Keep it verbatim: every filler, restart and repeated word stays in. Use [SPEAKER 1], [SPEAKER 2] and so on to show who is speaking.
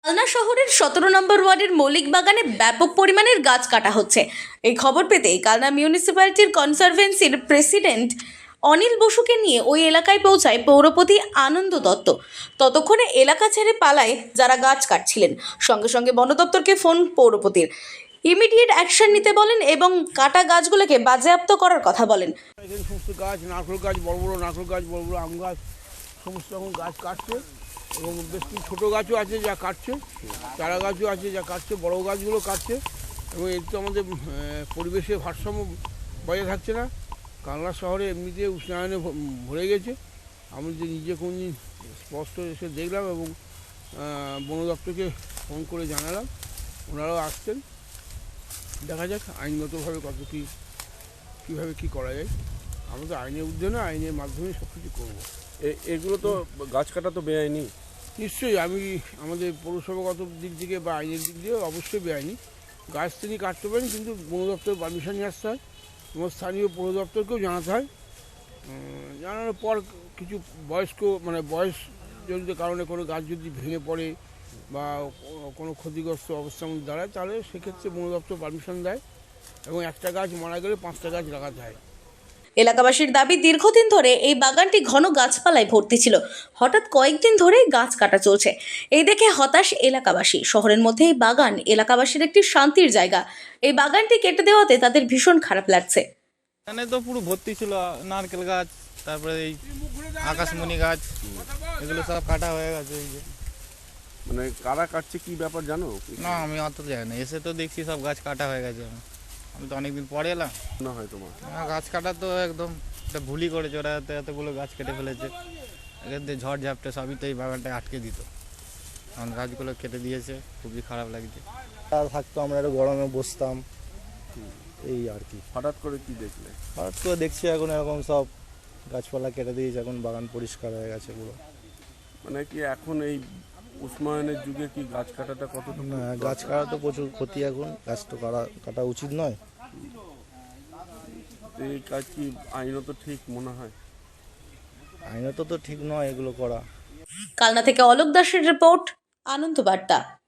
[SPEAKER 1] কালনা শহরের সতেরো নম্বর ওয়ার্ডের মৌলিক বাগানে ব্যাপক পরিমাণের গাছ কাটা হচ্ছে। এই খবর পেতে কালনা মিউনিসিপ্যালিটির কনসারভেন্সির প্রেসিডেন্ট অনিল বসুকে নিয়ে ওই এলাকায় পৌঁছায় পৌরপতি আনন্দ দত্ত। ততক্ষণে এলাকা ছেড়ে পালায় যারা গাছ কাটছিলেন। সঙ্গে সঙ্গে বন দপ্তরকে ফোন পৌরপতির। ইমিডিয়েট অ্যাকশন নিতে বলেন এবং কাটা গাছগুলোকে বাজেয়াপ্ত করার কথা বলেন।
[SPEAKER 2] এখানে সমস্ত গাছ, নারকেল গাছ, বড় বড় নারকেল গাছ, বড় বড় আম গাছ, সমস্ত রকম গাছ কাটছে এবং বেশ কিছু ছোটো গাছও আছে যা কাটছে, চারা গাছও আছে যা কাটছে, বড় গাছগুলো কাটছে এবং এতে আমাদের পরিবেশের ভারসাম্য বজায় থাকছে না। কালনা শহরে এমনিতে উষ্ণায়নে ভরে গেছে। আমি যে নিজে কোনদিন স্পষ্ট এসে দেখলাম এবং বন দপ্তরকে ফোন করে জানালাম, ওনারাও আসছেন। দেখা যাক আইনগতভাবে কত কী কীভাবে কী করা যায়। আমরা তো আইনের ঊর্ধ্বে না, আইনের মাধ্যমে সব কিছু করবো।
[SPEAKER 3] এগুলো তো গাছ কাটা তো বেআইনি।
[SPEAKER 2] নিশ্চয়ই আমি আমাদের পৌরসভাগত দিক থেকে বা আইনের দিক দিয়ে অবশ্যই বেআইনি। গাছ তিনি কাটতে পারেন, কিন্তু বন দপ্তর পারমিশন নিয়ে আসতে হয় এবং স্থানীয় পৌর দপ্তরকেও জানাতে হয়। জানানোর পর কিছু বয়স্ক মানে বয়স জনিত কারণে কোনো গাছ যদি ভেঙে পড়ে বা কোনো ক্ষতিগ্রস্ত অবস্থার মধ্যে দাঁড়ায়, তাহলে সেক্ষেত্রে বন দপ্তর পারমিশন দেয় এবং একটা গাছ মারা গেলে পাঁচটা গাছ লাগাতে হয়।
[SPEAKER 1] এলাকাবাসীর দাবি, দীর্ঘদিন ধরে এই বাগানটি ঘন গাছপালায় ভর্তি ছিল। হঠাৎ কয়েকদিন ধরেই গাছ কাটা চলছে। এই দেখে হতাশ এলাকাবাসী। শহরের মধ্যে এই বাগান এলাকাবাসীর একটি শান্তির জায়গা। এই বাগানটি কেটে দেওয়াতে তাদের ভীষণ খারাপ লাগছে।
[SPEAKER 4] এখানে তো পুরো ভর্তি ছিল নারকেল গাছ, তারপরে এই আকাশমণি গাছ, এগুলো সব কাটা হয়ে গেছে। এই যে
[SPEAKER 3] মানে কারা কাটছে কি ব্যাপার জানো?
[SPEAKER 4] না, আমি অত জানি না। এসে তো দেখছি সব গাছ কাটা হয়ে গেছে। আমি তো অনেকদিন পরে এলাম।
[SPEAKER 3] না হয় তোমার
[SPEAKER 4] হ্যাঁ, গাছ কাটা তো একদম একটা ভুলই করেছে ওরা, এত এতগুলো গাছ কেটে ফেলেছে। এখান থেকে ঝড় ঝাপটে সবই তো এই বাগানটায় আটকে দিত, কারণ গাছগুলো কেটে দিয়েছে। খুবই খারাপ লাগছে।
[SPEAKER 5] আর থাকতো আমরা একটু গরমে বসতাম, এই আর কি।
[SPEAKER 3] হঠাৎ করে কি দেখলে?
[SPEAKER 5] হঠাৎ করে দেখছি এখন এরকম সব গাছপালা কেটে দিয়েছে, এখন বাগান পরিষ্কার হয়ে গেছে পুরো।
[SPEAKER 3] মানে কি এখন এই উষ্ণায়নের যুগে কি গাছ কাটাটা কতটুকু?
[SPEAKER 5] না, গাছ কাটা তো প্রচুর ক্ষতি, এখন গাছ তো কাটা কাটা উচিত নয়।
[SPEAKER 3] এই কাজ কি আইনত ঠিক মনে হয়?
[SPEAKER 5] আইনত তো ঠিক নয় এগুলো করা।
[SPEAKER 1] কালনা থেকে অলোক দাসের রিপোর্ট, আনন্দ বার্তা।